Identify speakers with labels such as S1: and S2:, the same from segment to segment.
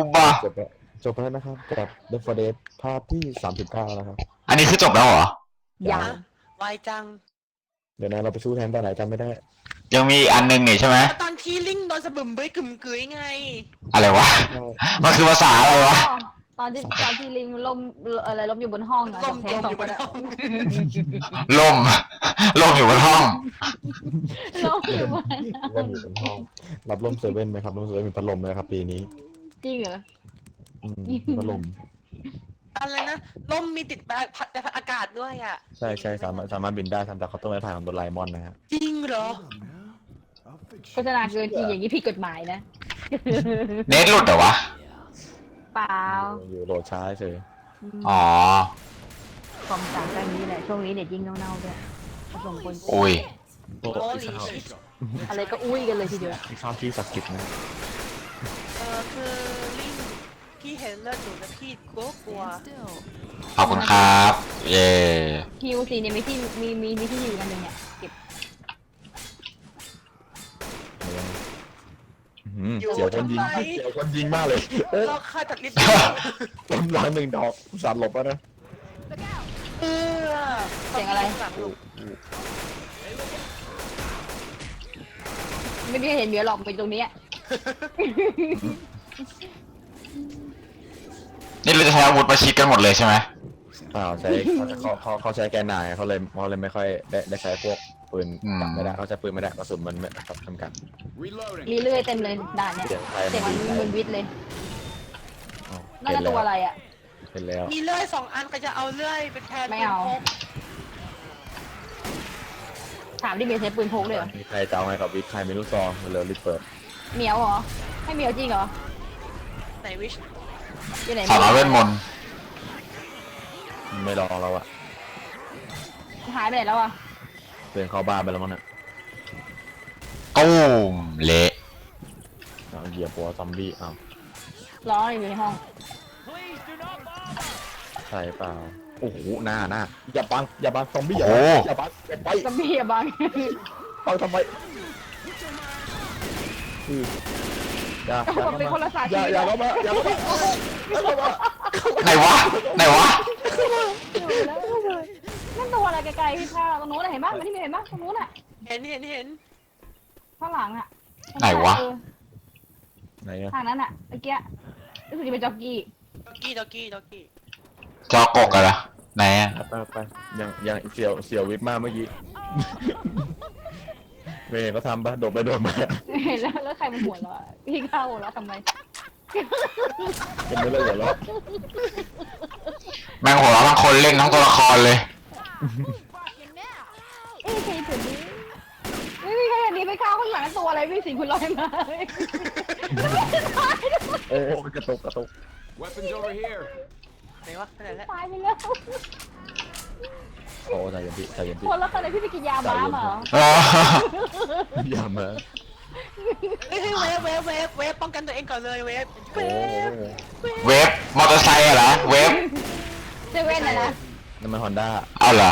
S1: บ้า
S2: จบแล้วนะครับกับ The Forest ภาคที่39นะครับ
S1: อันนี้คือจบแล้วเหรอ
S3: ยังไวจัง
S2: เดี๋ยวนะเราไปสู้แทนตอนไหนจำไม่ได้
S1: ยังมีอีกอันนึงนี่ใช่ไหม
S3: ตอนที่ลิงโดนสะบึมเบ้ยกึ่มกึ๋ยไง
S1: อะไรวะ มันคือภาษาอะไรวะ
S4: ตอนที่ลิงล้มอะไรล้มอยู่บนห้องอะ
S3: ลม
S4: เท
S3: ล
S4: ส
S3: ม
S4: สอ
S3: อง ยู่
S4: ค
S3: บ
S4: น
S3: น
S4: อะ
S3: ห้อง
S1: ล่ม ล่มอยู่บนห้อง
S4: ล้มอยู่บน
S2: ว่าอยู่บนห้องรับร่มเซเว่นไหมครับร่มเซเว่นมีพัดลมไหมครับปีนี้
S4: จริงเหรอ
S2: พัดลม
S3: อะไรนะลมมีติดแบบอากาศด้วยอ่ะ
S2: ใช่สามารถบินได้ทำจากเขาวต้มไม้ไผ่ของโดราเอมอนนะครับ
S3: จริงเหรอ
S4: โฆษณาเกินจริงอย่างนี้ผิดกฎหมายนะ
S1: เน็ตหลุดเหรอวะ
S4: เปล่า
S2: อยู่โหลดช้าเฉย
S1: อ๋อ
S4: ความต่างกันนี้แหละช่วงนี้เน็ตยิ่งเน่าๆด้วยส่งคน
S1: อุ้ย
S2: โอ้
S3: โอ้
S2: ย
S3: ลีชิต
S4: อะไรก็อุ้ยกันเลยทีเดียว
S2: ข้าวที่ศักดิ์สิทธิ์นะ
S3: คือลิงพี่เห็นเลือดหนูแล้วพี่กลัว
S1: ขอบคุณครับ เย่
S4: ฮิวซีเนี่ยมีที่มีที่อยู่กันหนึ่งเนี่ยเก็บ
S2: เสียวคนยิงมากเลย
S3: เราฆ่าตัดลิ้น
S2: ต้นร้อยหนึ่งดอกสัตว์หลบแล้วนะ
S3: เออ
S4: เสียงอะไรไม่มีใครเห็นเหมียวหรอกไปตรงเนี้ย
S1: นี่เราจะใช้อาวุธประชิดกันหมดเลยใช่ไหม
S2: เปล่าใช้เขาใช้แกนนายเขาเลยไม่ค่อยได้ใช้พวกปืนจับไม่ได้เขาใช้ปืนไม่ได้กระสุนมันไม่จำกัด
S4: มีเลื่อยเต็มเลยด่านเนี่ย
S2: เสียงใคร
S4: เสียงมันมึนวิทย์เลยน่า
S2: เห็
S4: จะ
S2: นแล้
S4: ตัว
S2: ว
S4: อะไรอ่ะ
S2: เห็นแล้ว
S3: มีเลื่อย2 อันก็จะเอาเลื่อยเป็นแทน
S4: ไม่เอา ถามที่เมียใช้ปืนพกเลยเหรอ
S2: มีใครจะเอาไงกับวิทย์ใครไม่รู้ซองเร็วรีบเปิด
S4: เหมียวเหรอให้เหมียวจริงเหรอ
S3: ไหนวิช
S4: อยู่ไหน
S1: สาวน้อยเวทมนต์
S2: ไม่ลองเราอะ
S4: หายไปไหนแล้วอ่ะ
S2: เดินเข้าบ้านไปแล้วมั้งน่ะ
S1: ตุ้มเละ
S2: เอาเหยียบหัวซอมบี้อ้าว
S4: ร้องอยู่ในห้อง
S2: ใช่เปล่าโอ้โหหน้าอย่าบังซอมบี้อย่าบังอย่าไป
S4: ซอมบี้อะบัง
S2: บังทำไมอย่า
S4: เป็นคนละสาย
S2: อย่าเข้ามาอย่าเข้ามาเข้ามา
S1: ไหนวะ ไหนวะ
S4: นั่นตัวอะไรไกลๆพี่พาตรงนู้นเห็นปะมันที่มีเห็นปะตรงนู้นอ่ะ
S3: เห็น
S4: ข้างหลังอ่ะ
S1: ไหนวะ
S2: ไหนอะ
S4: ทางนั้นอ่ะเมื่อกี้รู้สึกจะเป็นจ็อกกี้
S3: ด็อกกี้
S1: จอกกอะล่ะไหนอะ
S2: ไปยังเสียววิทย์มากเมื่อกี้เมย์เขาทำปะโดดไปโดดมา
S4: เห็นแล้วใครมันหัวเราะพี่เข้าหัวเราะทำไม
S2: ยังไม่เลิกหัวเราะ
S1: แม่งหัวเราะทั้งคนเล่นทั้งตัวละครเลย
S4: ใครจุดนี้ไม่มีใครเห็นนี้ไปเข้าข้างหลังตัวอะไรวิ่งสิคุณลอยมา
S2: โอ้กระตุก
S5: Weapons over here.
S3: ไหนวะไปไหนแล้ว
S4: ตายไปแล้ว
S2: โอ้ใจเย็นพี่
S4: คนแล้วตอนไหนพี่ไปกินยาบ้ามา
S2: อย่ามา
S3: เฮ้ยเวฟป้องกันตัวเองก่อนเลยเวฟ
S2: โอ้
S1: เวฟมอเตอร์ไซค์อะเหรอ เวฟ
S4: เซเว่นนะ
S2: นั่นมันฮอนด้า
S1: เอาเหรอ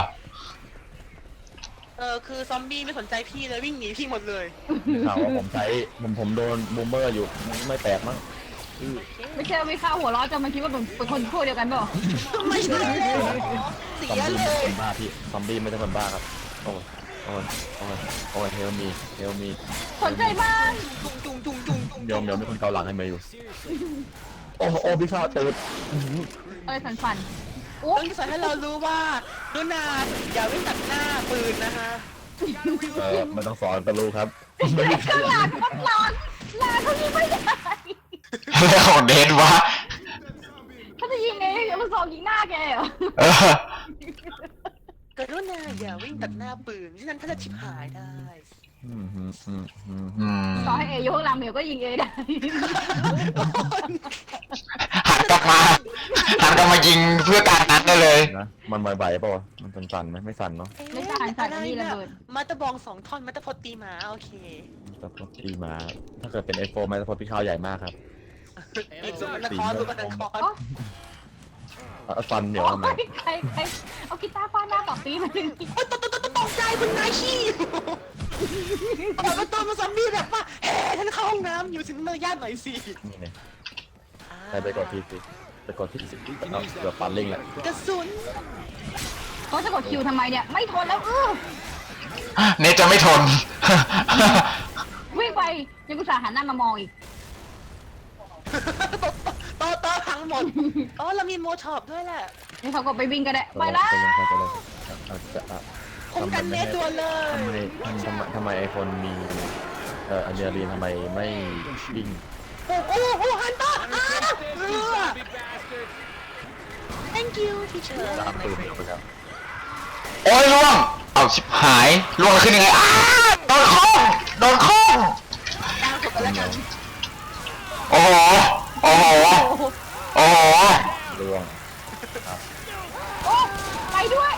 S3: คือซอมบี้ไม่สนใจพี่เลยวิ่งหนีพี่หมดเลย
S2: ข่าวว่าผมใช้ผมโดนบูมเมอร์อยู่ไม่แปลกมั้ง
S4: ไม่ใช่ไม่เข้าหัวเราะจนมันคิดว่าเป็นคนพวกเดียวกันเปล่า
S3: ไม่ใช่เสี
S2: ซอม
S3: ย
S2: บี้
S3: เล
S2: ไม่ใช่
S3: ย
S2: คนบ้าพี่ซอมบี้ไม่ใช่คนบ้าครับโอ้ยเฮลมี
S4: สนใจบ้าง
S3: จุง
S2: เดี๋ยวมีคนเกาหลังให้เมย์อยู่โอ้พี่ข้าวตื่น
S4: อะไรสั่นๆอุ๊
S3: ต้อย งสอนให้เรารู้ว่าดูนาอย่าวิ่งตัดหน้าปืนนะคะ
S2: ไม่ต้องสอนก็รู้ครับ
S4: ข้างหลังก็หลอนหลานเขายิงไม่ได้
S1: อะไรของเดนวะ
S4: เขาจะยิงไงมันสองยิงหน้าแกเหรอ
S1: เออ
S3: กรุณาอย่าวิ่งตัดหน้าปืนที่นั่นถ้าจะชิบหายได้
S1: อืม
S4: ต่อให้เออยู่ข้างหลังเหมียวก็ยิงเอได้
S1: หันกลับมายิงเพื่อการนั้นได้เลย
S2: นะมันไหวๆป่าวมันสั่นไหมไม่สั่นเนาะ
S4: ไม่ใช่สั่นอันนี้ระเบิด
S3: มาตะบอง2 ท่อนมาตะพดตีหมาโอเค
S2: สปอตตีมาถ้าเกิดเป็นไอโฟนมันสปอตพี่ข้าวใหญ่มากครับ
S3: อีกสุวรรณคร
S2: ฟันเหนียวทำไม
S4: ใครเอากีตาร์ฟาดหน้าต่อปีมาถึง
S3: ตกใจคุณนายขี้เปิดประตูมาซอมบี้แบบว่าเฮ้ท่านเข้าห้องน้ำอยู่ถึงมารยาทหน่อยสิ
S2: นี่เนี่ย
S3: อ่า
S2: ใครไปกดที่สิไปกดที่สิเอาเกือบปันลิงแหละ
S3: กระสุน
S4: เขาจะกดคิวทำไมเนี่ยไม่ทนแล้ว
S1: เนทจะไม่ทน
S4: วิ่งไปยังกุศลหันหน้ามามองอีก
S3: โตพังหมดอ๋อเรามีโมช็อปด้วยแหละ
S4: นี่เขาก็ไปวิ่งก็ได้ไปแล้ว
S3: คุ้มกันเนตตัวเลย
S2: ทำไมไอคนมีอันเดียรีนทำไมไม่วิ่ง
S3: โอ้ฮันเตอร์thank you teacher
S2: ตามปืนไปครับ
S1: โอ้ยล่วง เอาชิบหายล่วงขึ้นยังไงโดนข้องโดนข้อง
S3: ดาวจบไปแล้วกัน
S1: โอ้โห โอ้โห โอ้โห
S2: ล่วง
S4: โอ้ไปด้วย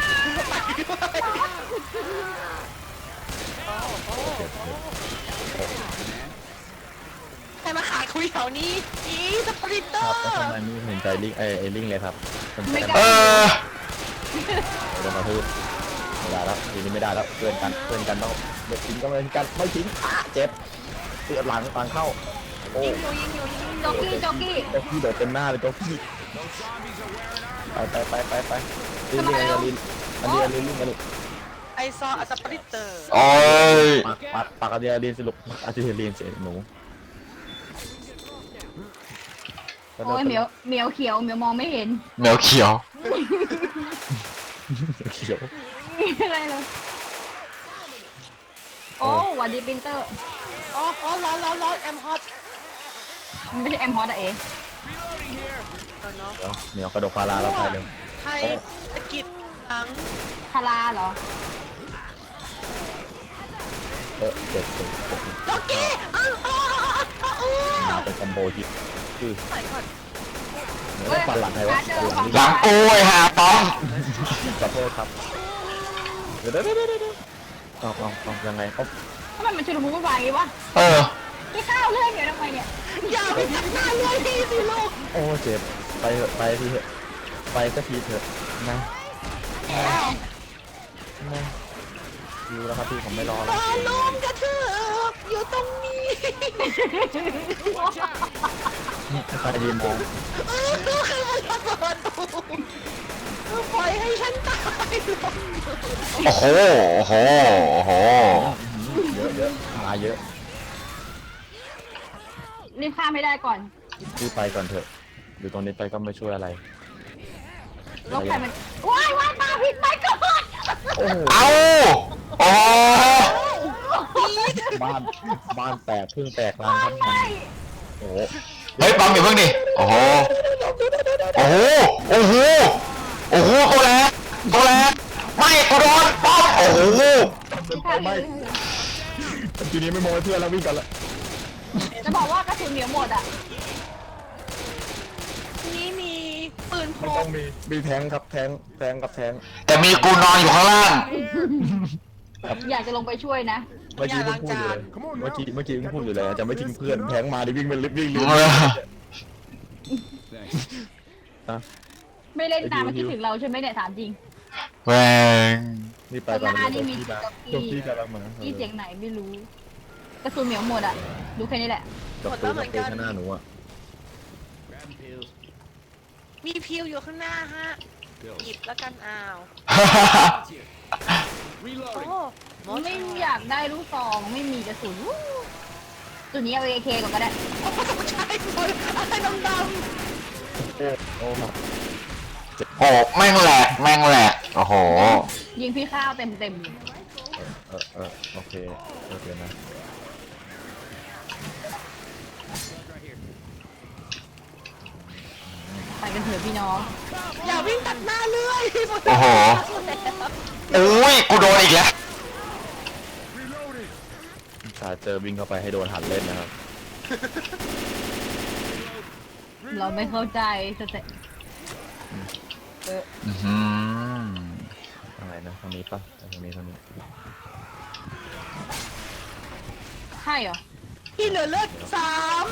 S3: ใครมาขาคุยแถวนี้อีสปริตเตอ
S2: ครับ
S3: ร์
S2: แล้วทำไมไม่เห็นใจลิงไอลิงเลยครับมัน
S4: ไม่ก
S1: เอ
S4: ล้า
S1: อ
S2: เดินมาทืบไม่ได้แล้วทีนี้ไม่ได้แล้วเพื่อนกันต้องเด็กทิ้งก็ไม่ทิ้งไม่ทิ้งเจ็บเสียหลังต่างเข้าโอ้
S3: ยิงอยู่
S4: จ็อกกี้
S2: เจ้าพี่โดดเต็มหน้าเลยเจ้าพี่ไปลิงอันเดียลิงกันลูก
S3: ไอซอสปริตเตอร์
S1: โอ้ย
S2: ปากอันเดียลินสรุปอันเดียลินเสียหนู
S4: โอ้ยเหมียวเขียวเหมียวมองไม่เห็น
S1: แมวเขียว
S2: เขียว
S4: อะไรเลยโอ้หวัดดีปรินเตอร์
S3: อ๋อร้อนแอมฮอต
S4: มันไม่ใช่แอมฮอตอะเอ๋
S3: เนาะ
S2: เหนียวกระโดดพาราแล้วไปเลย
S3: ไทยตะกิดหลัง
S4: คาราเหรอ
S2: เจ็บ
S3: จ็อกกี้
S2: เป็นคอมโบที่คือ
S3: ใส่ก่อน
S2: ฟันหลังใครวะ
S1: หลังกูไอ้ห่าป้อง
S2: ขอโทษครับเดี๋ยวต้องยังไงเขา
S4: ทำไมมันชุลมุนวุ่นวายอย่างงี้วะ
S1: เออ
S4: ไม่ข้าวเรื่องเดี๋ยวทำไมเนี่ย
S3: อย่าไปจับหน้าเลยพี่สิลูก
S2: โอ้เจ็บไปเถอะไปทีเถอะไปก็ทีเถอะนะอยู่แล้วครับพี่ผมไม่รอแล้ว
S3: ลมกระเทือกอยู่ตรงนี้
S2: ใครยืนมอง
S3: ดูใครมันระเบิดปล่อยให้ฉันตายลง
S1: โอ้โห โอ้โห โอ้โห
S2: เยอะมาเยอะ
S4: รีบข้ามไม่ได้ก่อน
S2: พี่ไปก่อนเถอะอยู่ตรงนี้ไปก็ไม่ช่วยอะไร
S4: รถใครมันว้ายมาผิดไปก่อน
S2: โอ้โห
S1: เอาโอ้โห
S2: บ้านแตกพึ่งแตกรางครับมันโอ้โห
S1: เฮ้ยปั๊มอย่าเพิ่งดิ โอ้โห โอ้โห โอ้โห โอ้โหโคแลกโคแลกไม่กูโดนป้อมโอ้โห
S2: ไม่ทีนี้ไม่มองเพื่อนแล้ววิ่งกันละ
S4: จะบอกว่ากระสุนเหนียวหมดอ่ะ
S3: นี่มีปืนพ
S2: มัน
S3: ก
S2: ต้องมีแทงครับแทงกับแทง
S1: แต่มีกูนอนอยู่ข้างล่าง
S4: อยากจะลงไปช่วยนะ
S2: เมื่อกี้เพิ่งพูดอยู่เลยเมื่อกี้เพิ่งพูดอยู่เลยจะไม่ทิ้งเพื่อนแทงมาดิวิ่งไปวิ่งเร็ว
S5: Thanks.
S4: ไม่เล่นตามมาคิดถึงเราใช่ไหมเนี่ยถามจริง
S1: แหวง
S2: นี่ไปก่อนเลยจบที่กำลังมา
S4: ที่เสียงไหนไม่รู้ กระสุนเหนียวหมดอ่ะ ดูแค่นี้แหละ
S2: จบปืนข้างหน้าหนูอ่ะ
S5: Grabbing pills.
S3: มีพิวอยู่ข้างหน้าฮะ หยิบแล้วกันอ้าว
S5: Reloading.
S3: โอ้หมอ
S4: ไม่อยากได้ลูกซองไม่มีกระสุนจุดนี้เอา AK ก่อนก็ได้
S3: ใช่คนอะไรดำ
S2: โอ้ครับ
S1: โอ้แม่งแหลกแม่งแหลกโอ้โห
S4: ยิงพี่ข้าวเต็มเลย
S2: โอเคนะ
S4: ไปกันเถอะพี่น้อง
S3: ๆอย่าวิ่งตัดหน้าเลย
S1: โอ้โห โอ้ยกูโดนอีกแล้ว
S2: ถ้าเจอวิ่งเข้าไปให้โดนหันเล่นนะครับ
S4: เราไม่เข้าใจสเต
S1: อื้อหือ
S2: อะไรนะทางนี้ปะทางนี้
S4: ใช่เหรอ
S3: พี่เหลือเลือด3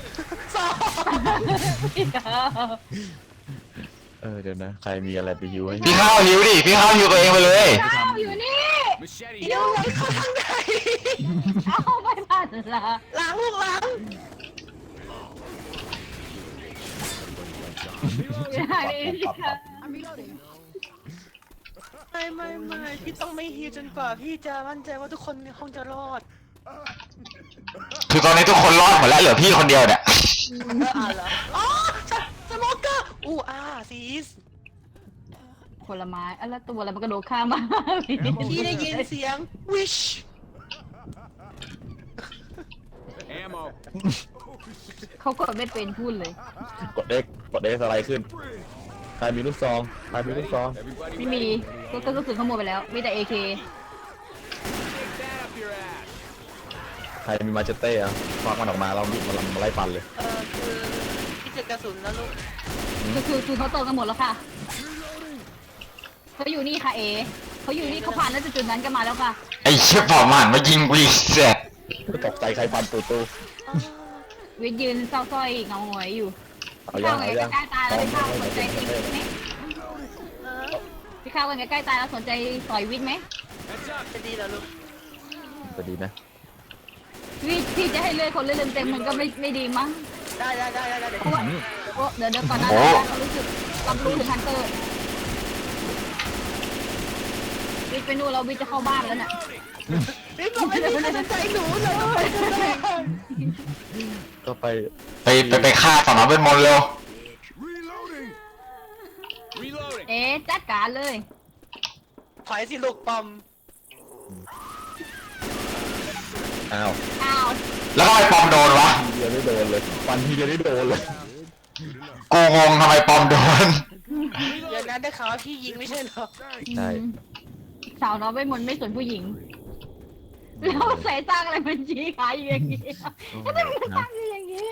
S3: 2
S2: เดี๋ยวนะใครมีอะไรไปยูให้
S1: พี่ข้าวหิวดิ พี่ข้าวหิวตัวเองไปเลย
S4: ข้าวอยู่นี่
S5: Machete
S3: เดี๋ยว
S5: here.
S3: ไหลเข้าทางไหน
S4: เอาไม่ทันละ
S3: หลังลูกหลังไม่พี่ต้องไม่ฮิวจนกว่าพี่จะมั่นใจว่าทุกคนในห้องจะรอด
S1: คือตอนนี้ทุกคนรอดหมดแล้วเหลือพี่คนเดียวเนี่ย
S3: เหรออ๋อสโมเกอร์ซีส
S4: ผลไม้แล้วตัวอะไรมันกระโดดข้ามมา
S3: พี่ได้ยินเสียง wish
S5: Ammo.
S4: เขากดไม่เป็นพูดเลย
S2: กด X กด X สไลด์ขึ้นใครมีลูกซองใครมีลูกซอง
S5: Everybody
S4: ไม่มีก็กระสุนขโมยไปแล้ว มีแต่ AK
S5: stick that up your ass.
S2: ใครมีมาเจเต้อะควักมันออกมาเราวิ่งมาไล่ฟันเลย
S3: คือพี่เจอกระสุนแล้วลูก
S4: คือเขาโตกันหมดแล้วค่ะเขาอยู่นี่ค่ะเขาอยู่นี่เขาผ่านแล้วจุดนั้นกันมาแล้วค่ะ
S1: ไอ้เชี่ยปอมหันมายิงกูอีกเสร็จ
S2: ตกใจใครฟันตูตู
S4: วิทย์ยืนเศร้าส้อยเงาหงอยอยู่
S2: เอายั
S4: ข้าง วไง
S2: เอายัง
S4: ใกล้ตายแล้วพี่ข้าวสนใจตีวิทย์ไหมพี่ข้าวไงใกล้ตายแล้วสนใจต่อยวิทย์ไหม
S5: Heads up.
S3: จะดีเหรอลูก
S2: จะดีไหม
S4: วิทย์ที่จะให้เลือดคนเลือดเต็มมันก็ไม่ดีมั้ง
S3: ได้เดี๋ยว
S4: เพราะว่าเดี๋ยวก่อนนะเขารู้สึกรับรู้ถึงฮันเตอร์วิทย์ไปนู่นเราวิทย์จะเข้าบ้านแล้วน่ะ
S3: พี่บอกไม่ได้สนใจหนูเลย
S2: ก็ไป
S1: ไปฆ่าสอนอเวทมนต์เร็ว
S5: Reloading. Reloading.
S4: จัดการเลย
S3: ถอยสิลูกปอม
S2: อ้าว
S4: อ้าว
S1: แล้วทำไมปอมโดนวะ
S2: ทีเดียวได้โดนเลยฟันทีเดียวได้โดนเลย
S1: กูงงทำไมปอมโดน
S3: อย่างนั้นได้ข่าวว่าพี่ยิงไม่ใช่เหรอ
S2: ใช่
S4: สาวน้อยเวทมนต์ไม่สนผู้หญิงแล้วใส่ตั้งอะไรมันชี้ขาอยู่อย่างนี้ก็จะมันตั้งอยู่อย่างนี้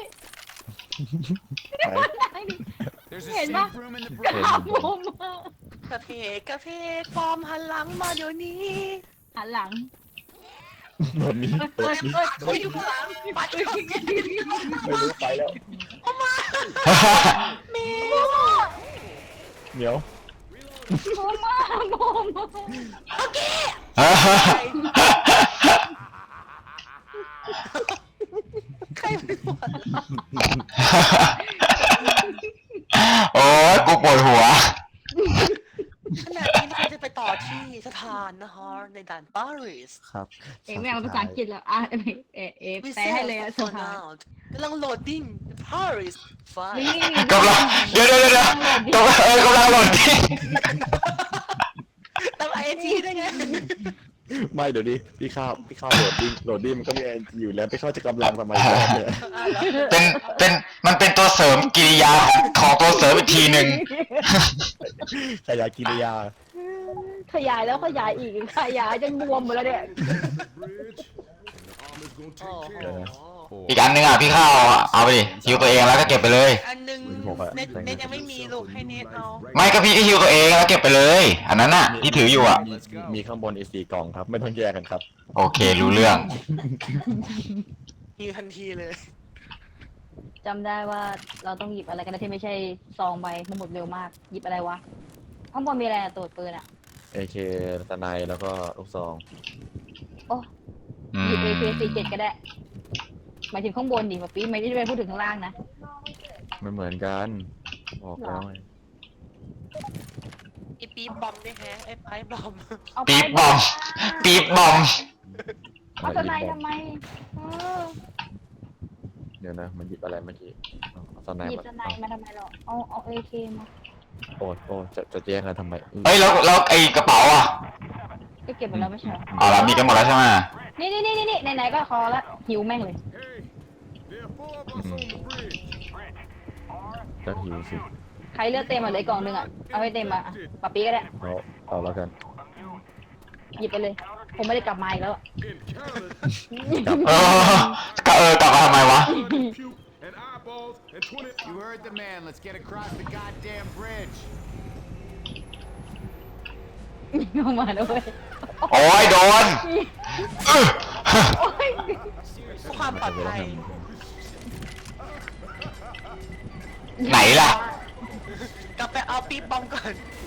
S5: There's a
S4: Hey,
S5: safe
S4: Ma.
S5: room in the
S4: กระ
S5: bridge.
S4: มุม
S3: กระเพกปอมหันหลังมาเดี๋ยวนี้
S4: หันหลัง
S2: โดนนี้โดนนี้
S3: เขาอยู่ข้างหลังไป
S2: ไม่รู้ไปแล้ว
S3: เมย์
S2: เหนียว
S4: โมมาโมมา
S3: โอเคใครเป็นหัว
S1: โอ้ยกูปวดหัว
S3: ขณะนี้เราจะไปต่อที่สถานนะคะในด่านปารีส
S2: ครับ
S4: ไม่เอาภาษาอังกฤษแล้วแปลให้เลยอะสภาก
S3: ำลังโหลดดิ้ง Paris ไฟ
S1: กำลังเดี๋ยวกำลังหล่นที่
S3: ตามไอจีได้ไง
S2: ไม่เดี๋ยวนี้พี่ข้าวโหลดดิ้งมันก็มีแอนอยู่แล้วพี่ข้าวจะกำลังทำไมเนี่ย
S1: มันเป็นตัวเสริมกิริยาของตัวเสริมอีกทีหนึ่ง
S2: ขยายกิริยา
S4: ขยายแล้วขยายอีกขยายจนบวมหมดแล้วเนี่ย
S1: อีกอันนึงอ่ะพี่ข้าวเอาไปดิฮิวตัวเองแล้วก็เก็บไปเลย
S3: อันหนึงเน็ตยังไม่มีลูกให้เน็ตเอา
S1: ไม่ก็พี่ก็ฮิวตัวเองแล้วเก็บไปเลย อันนั้นน่ะที่ถืออยู่อ่ะ
S2: มีข้างบนอีก4 กล่องครับ ไม่ต้องแยกกันครับ
S1: โอเครู้เรื่อง
S3: ฮิวทันทีเลย
S4: จำได้ว่าเราต้องหยิบอะไรกันนะที่ไม่ใช่ซองใบมันหมดเร็วมากหยิบอะไรวะข้างบนมีอะไรอะตัวปืนอะ
S2: AK ตะไนแล้วก็ลูกซอง
S4: โอ้หยิบ AK47 ก็ได้หมายถึงข้างบนดิมาปีไม่ได้ไปพูดถึงข้างล่างนะ
S2: ไม่เหมือนกันบอกแล้วไง
S3: ไอปีบอมด้วยแฮะไอไพ่บอม
S4: เอาไป
S1: ปี๊บบอมปี๊บบอม
S4: เอาทนายทำไม
S2: เดี๋ยวนะมันหยิบอะไรเมื่อกี้เอาตะไน
S4: หยิบ
S2: มา
S4: ทนายมาทำไมหรอเอาAK มา
S2: โอ้จะแยกกันทำไม
S1: เอ้ยแล้วไอ้กระเป๋าอ่ะ
S4: ก็เก็บหมดแล้วไม่ใช่
S1: อ๋อแล้วมีกันหมดแล้วใช่ไหม
S4: นี่ไหนๆก็คอละหิวแม่งเลย
S5: Hey, there are 4 of us on the bridge.
S2: จะหิวสิ
S4: ใครเลือกเต็มมาเลยกล่องหนึ่งอ่ะเอาให้เต็มมาอ่ะปะปีก็ได้
S2: เอาแล้วกัน
S4: หยิบไปเลย ผมไม่ได้กลับมาอีกแล้วอะ
S5: Encounters
S1: กลับมาทำไมวะ
S5: puke and eyeballs and 20.
S6: You heard the man. Let's get across the goddamn bridge.
S4: เข้ามาด้วย
S1: โอ้ยโดน
S4: โอ้ย
S3: ความปลอดภัย
S1: ไหนล่ะ
S3: กลับไปเอาปีบอมก่อน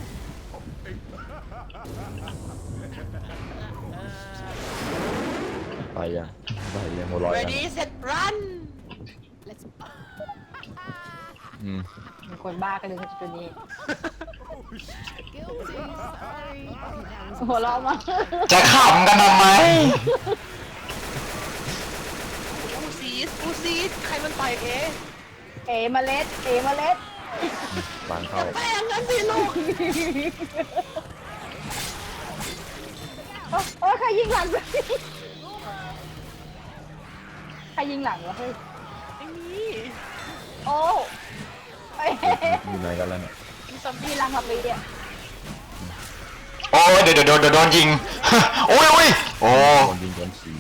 S2: ไปยังหัวเร้อยยัง
S3: ready set run
S2: อืม
S4: มีคนบ้ากันเลยจุดนี้หัวเราะมา
S1: จะขำกันทำไม
S3: อูซีดใครมันต่อยเอ๊ะ
S4: เอเมล็ดเอเมล็ด
S2: วางเข้า
S3: ไม่อย่างนั้นสิลูก
S4: โอ้ยใครยิงหลังวะใครยิงหลังวะเฮ้ย
S3: ไม่มี
S4: โอ้เอ้ย
S2: อยู่ไหนกันแล้วเนี่ย
S3: มีซอม
S4: มี
S3: บี้
S4: หลังกับปีเนี่ย
S1: โอ้ยเดี๋ยวโดนยิง โอ้ยโอ้
S2: โดนยิงโดนฉี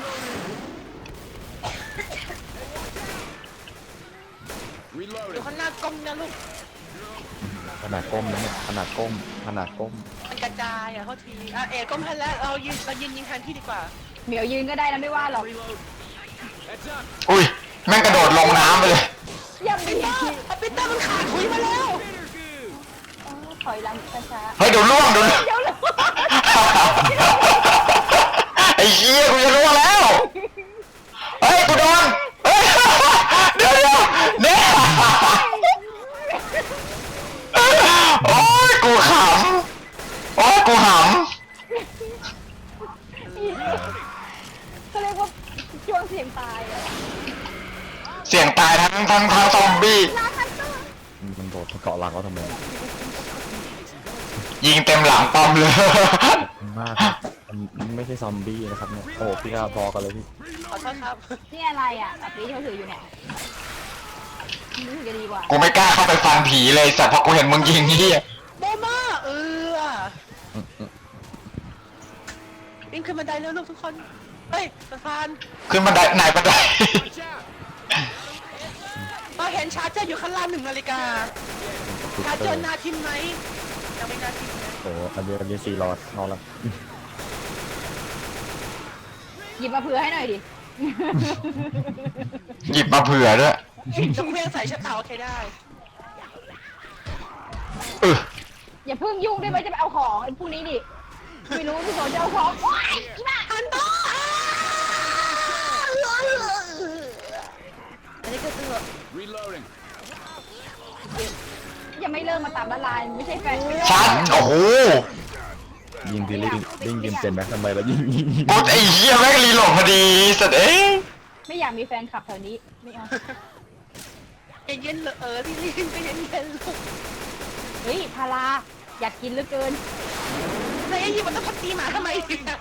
S3: อยู่
S5: Reloading.
S3: ข้างหน้ากล้องนะลูก
S2: ขนาดก้มนะเนี่ยขนาดก้มขนาดก้ม
S3: มันกระจายอ่ะเขาทีอ่ะเอ๋ก้มทันแล้วเรายืนยิงแทนพี่ดีกว่า
S4: เหมียวยืนก็ได้นะไม่ว่าหรอก
S5: Heads up.
S1: อุ้ยแม่งกระโดดลงน้ำไปเลย
S4: ยังมี
S3: อ่ะปีเตอร์มันขาดคุยมาแล้ว
S4: ถอยหลังช้า
S1: เฮ้ยเดี๋ยวล่วงเดี๋ยว
S4: ๆเดี๋ยวเลย
S1: ไอ้เหี้ยกูจะล่วงแล้ว เฮ้ยกูโดนเฮ้ยเดี๋ยวเนี่ยโอ้ยกูขำโอ้ยกูห
S4: ก็เรียกว่าช่วงเสียงตายอะ
S1: ำเสียงตายทั้งซอมบี้
S4: ลาคันเตอร์
S2: มันโดดเกาะหลังเขาทำไม
S1: ยิงเต็มหลังปอมเลย
S2: มากครับมันไม่ใช่ซอมบี้นะครับเนี่ยโอ้พี่ก้าพอกันเลยพี่
S3: ขอโทษครับ
S4: นี่อะไรอ่ะแบบนี้ที่เขาถืออยู่เนี่ยรู้สึกจะดีกว่า
S1: กูไม่กล้าเข้าไปฟันผีเลยสัตว์เพราะกูเห็นมึงยิงเหี้ย
S3: โบมาวิ่งขึ้นบันไดเร็วลูกทุกคน เฮ้ยสะพาน
S1: ขึ้นบันไดไหนบันได
S5: Watch out.
S3: เราเห็นชาร์เจอร์อยู่ข้างล่าง1 นาฬิกาชาร์เจอร์นาทิมไหมยังไม่นาทิมนะ
S2: โอ้อันนี้4 หลอดนอนแล้ว
S4: หยิบมาเผื่อให้หน่อยดิ
S1: หยิบมาเผื่อด้วย
S3: จะเคลื่อนใส่ชะเตาโอเคได้
S1: เออ
S4: อย่าเพิ่งยุ่งได้ไหมจะไปเอาของไอ้พวกนี้ดิไม่รู้พี่โสจะเอาของโอ๊ยอีบ้า
S3: ฮันโตอันนี้ก็คือ
S5: Reloading.
S4: ยังไม่เลิกมาตามละลายไม่ใช่แฟนไม่
S1: ชัดโอ้โห
S2: ยิงทีลิงยิงเปลี่ยนแบ็คทำไมแล้วยิง
S1: กูไอ้เหี้ยแม่งรีโหลดพอดีสัตว์เอ้ย
S4: ไม่อยากมีแฟนคลับแถวนี้ไม่เอา
S3: เย็นๆเลยพี่ลิงก็เย็นๆลูก
S4: เฮ้ยพาราอยากกินเหลือเกิน
S3: แล้วไอ้ยี่มันต้องพักตีหมาทำไมเนี่ย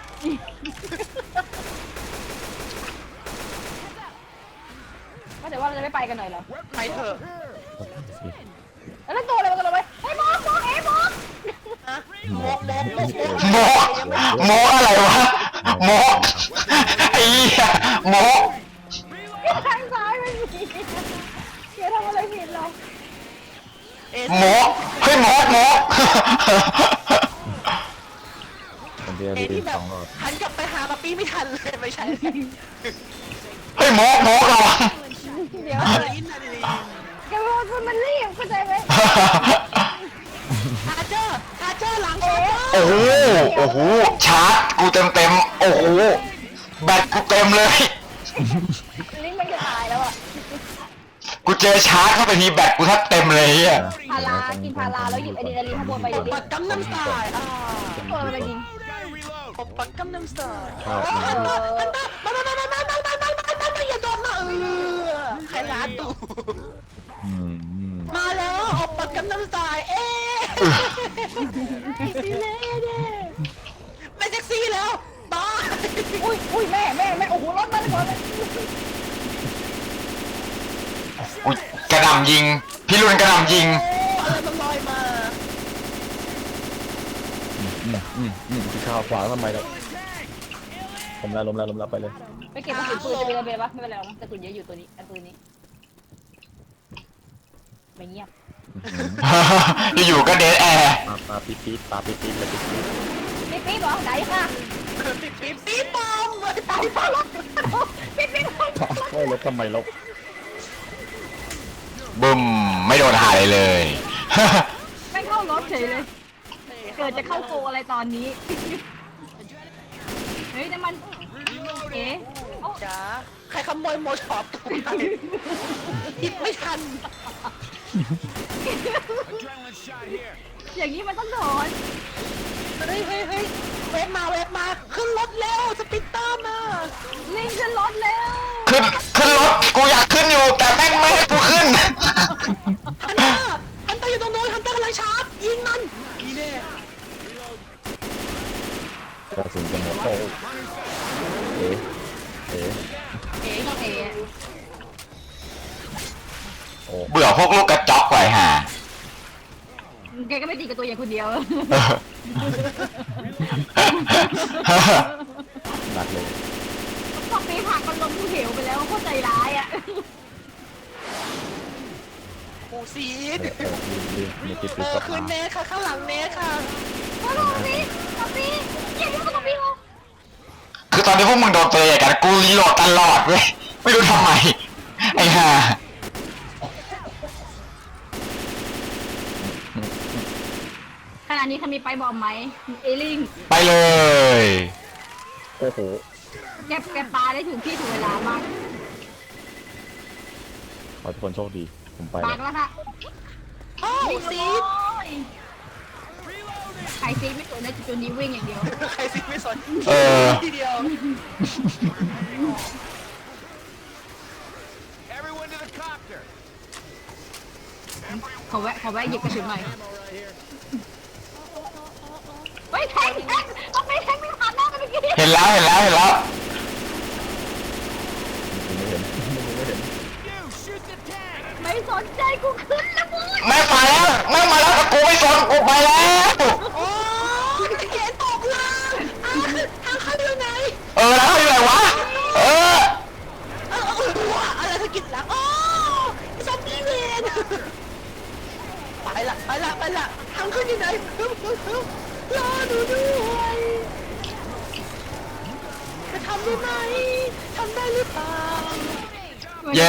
S4: ว่าแต่ว่าเราจะไม่ไปกันหน่อยเหรอ
S3: ไปเถอะ
S4: แล้วตัวอะไรมันกระโดดไปเฮ้ยมองเอ๋มอง
S3: นะโมก
S1: โมอะไรวะโมไอ้เหี้ยโม
S4: ทางซ้ายไม่มีเกียร์ทำอะไรผิดหรอ
S1: โมเฮ้ยโม
S2: คนเดียว
S3: เอ
S2: ดี
S3: ที่แบบ
S2: 2 หลอด
S3: หันกลับไปหาป๊าปี้ไม่ทันเลยไม่ใช่
S1: เฮ้ยโมระวัง
S4: เดี๋ยว
S3: อินนาลี
S4: แกว่ามันรีบเข้าใจไหม
S3: ชาร์เจอร์หลังชาร์เจอร์
S1: โอ้โหโอ้โหชาร์จกูเต็มโอ้โหแบตกูเต็มเลย
S4: ลิงมันจะตายแล้วอ่ะ
S1: กูเจอชาร์จเข้าไปทีแบตกูแทบเต็มเลยอ่ะ
S4: พารากินพาราแล้วหยิบอะดรีนาลีนข้างบนไปดิ
S3: ปักกัมน้ำสไตล์
S4: ไปยิง
S3: ผมปักกัมน้ำสไตล์
S2: ชอบ
S3: มาอย่าโดนนะใครร้านตู่
S2: อืม
S3: มาแล้วออกปักกัมน้ำสไตล์เอ๊ไม่เซ็กซี่แล้วบ้า
S4: อุ้ยแม่โอ้โหรถมันก่อนเลย
S1: กูกระหน่ำยิงพี่รุ่นกระหน่ำยิง
S3: อะไรมันลอยมา
S2: พี่ข้าวขวางทำไมแล้วล้มแล้วไปเลย
S4: ไปเก็บกระสุนปืนจะเป็นอะไรปะไม่เป็นไรหรอกกระสุนเยอะอยู่ตัวนี้อันปืนนี้ไม่เงียบ
S1: อยู่ๆก็เดทแอร์
S2: ปาปี๊ดเลยปี๊ด
S4: ปี๊บเหรอไหนค่ะ
S3: ปี๊บปอม
S4: ตายไปแล้วปี๊บ
S2: โอ้ยรถทำไมลบ
S1: บึ้มไม่โดนหาอะไรเลย
S4: ไม่เข้ารถเฉยเลยเกิดจะเข้าโกอะไรตอนนี้เฮ้ยแต่มันเอ๊ะ
S3: จ๋าใครขโมยโมช็อปไปหยิบไม่ทัน
S5: Adrenaline shot here.
S4: อย่างนี้มันต้องถอน
S3: เฮ้ยเวฟมาขึ้นรถเร็วสปิตเตอร์มา
S4: ลิงขึ้นรถแล้ว
S1: ขึ้นรถกูอยากขึ้นอยู่แต่แม่งไม่ให้กูขึ้น
S3: ฮันเตอร์อยู่ตรงโน้นฮันเตอร์กำลังชาร์จยิงมันนี่แน่
S2: กระสุนจะหมดเลยเอ๋เอ๋
S4: เอ๋ก็เอ๋
S2: โอ้
S1: เบื่อพวกลูกกระจอกไว้ห่า
S4: แกก็ไม่ตีกับตัวอย่างคนเดียว
S2: หนักเลย
S4: พอปีผักมันลงภูเหวไปแล้วโคตรใจร้ายอ่ะ
S3: โอ้ซีด
S2: มีติด
S3: คืนเนสค่ะข้างหลังเนสค่ะ
S4: มาดูนี่มาปีอย่างนี้มันก็ปีเหรอ
S1: คือตอนนี้พวกมึงโดนตัวใหญ่กันกูรีโหลดตลอดเว้ยไม่รู้ทำไมไอ้ห่า
S4: ขณะนี้เขามีไปบอมไหมเอลิง
S1: ไปเลย
S2: โอ้โห
S4: แกปลาได้ถึงที่ถึงเวลามาก
S2: ขอทุกคนโชคดีผมไป
S4: ปากแล้วค่ะ
S3: โอ้ซีด
S4: ใครซีดไม่สนในจุดนี้วิ่งอย่างเดียว
S3: ใครซีดไม่สน
S1: เออ
S3: ทีเดียว
S5: Everyone to the copter.
S4: ขอแวะหยิบกระสุนหน่อยเฮ้ยแทงต้องไปแทงไม่ผ่านหน้ากันเมื่อกี้
S1: เห็นแล้ว
S2: ไม่เห็น
S5: You shoot the tank.
S4: ไม่สนใจกูขึ้นแล้วมึง
S1: แม่งมาแล้วแต่กูไม่สนกูไปแล้ว
S3: โอ้ยเขียนตกล่างทางเข้าอยู่ไหน
S1: แล้วอยู่ไหนวะ
S3: อะไรสะกิดหลังโอ้ซอมบี้เวนไปละทางขึ้นอยู่ไหนรอดูด้วยจะทำได้ไหมทำได้หรือเปล่า
S1: เย้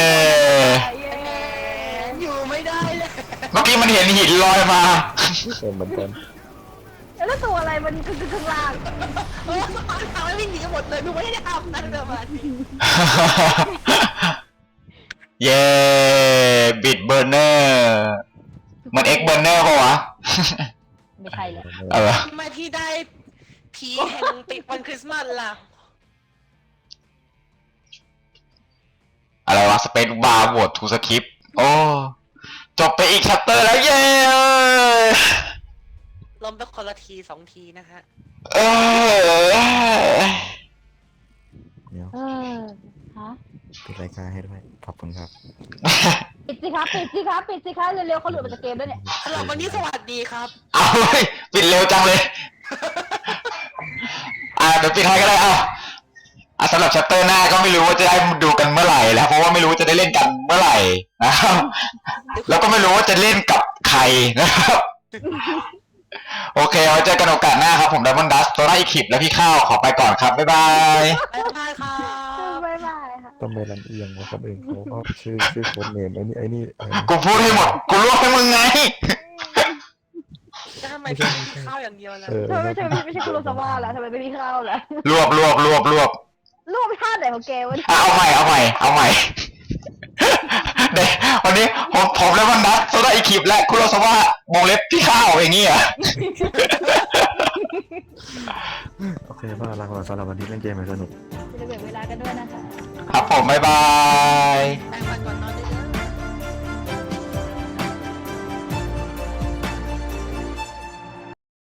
S3: อยู่ไม่ได้เลย
S1: เมื่อกี้มันเห็นหินลอยมา
S2: เป็นเหมือนกัน
S4: แล้วตัวอะไรมันคือข้างล่าง
S3: โอ้ทำให้วิ่งหนีหมดเลยไม่ได้ทำนั่นเลยมาที
S1: เย้บิดเบอร์เนอร์เหมือนเอ็กเบอร์เนอร์ป่าวะ
S4: ไม่ใช่เลย
S3: ทำไมพี่ได้ผีแห่งปิดวันคริสต์มาสล่ะ
S1: อะไรวะสเปซบาร์โหวตทูสคริปโอ้จบไปอีกชัปเตอร์แล้วเย้
S3: ล้มไปคนละที2 ทีนะฮะ
S1: เออ
S2: เดี๋ยว
S4: ฮะ
S2: ปิดรายการให้ด้วยขอบคุณครับ
S4: ปิดสิครับเร็วๆเขาหลุดมาจากเกมแล้วเนี่ย
S3: สำหรับวันนี้สวัสดีครับ
S1: เอาเฮ้ยปิดเร็วจังเลยเดี๋ยวปิดให้ก็ได้สำหรับชัปเตอร์หน้าก็ไม่รู้ว่าจะได้ดูกันเมื่อไหร่แล้วเพราะว่าไม่รู้ว่าจะได้เล่นกันเมื่อไหร่นะครับแล้วก็ไม่รู้ว่าจะเล่นกับใครนะครับโอเคเอาเจอกันโอกาสหน้าครับผมไดมอนด์ดัสโซล่าอีคิปและพี่ข้าวขอไปก่อนครับบ๊ายบาย
S3: บ๊ายบายครับ
S4: บ๊ายบายค่ะ
S2: ต้องไปลำเอียงว่าเขาเองเขาก็ชื่อโค้ดเนมไอ้นี่
S1: กูพูดให้หมดกูรวบให้มึงไง
S3: แล้วทำไมพี่ข้าวอย่างเดียวล่ะ
S4: ทำไมไม่ใช่คุโรซาวะล่ะทำไมไม่มีข้าวล่ะ
S1: รวบ
S4: รูปท่าไหนของแกวะ
S1: เอาใหม่เดี๋ยววันนี้ผมไดมอนด์ดัสโซล่าอีคิปและคุโรซาวะวงเล็บพี่ข้าวอย่างงี้เหรอ
S2: โอเคว่าลาก่อนสำหรับวันนี้เล่นเกมให้สนุก
S4: จะแบ่งเวลากันด้วยนะคะ
S1: ครับผมบ๊ายบาย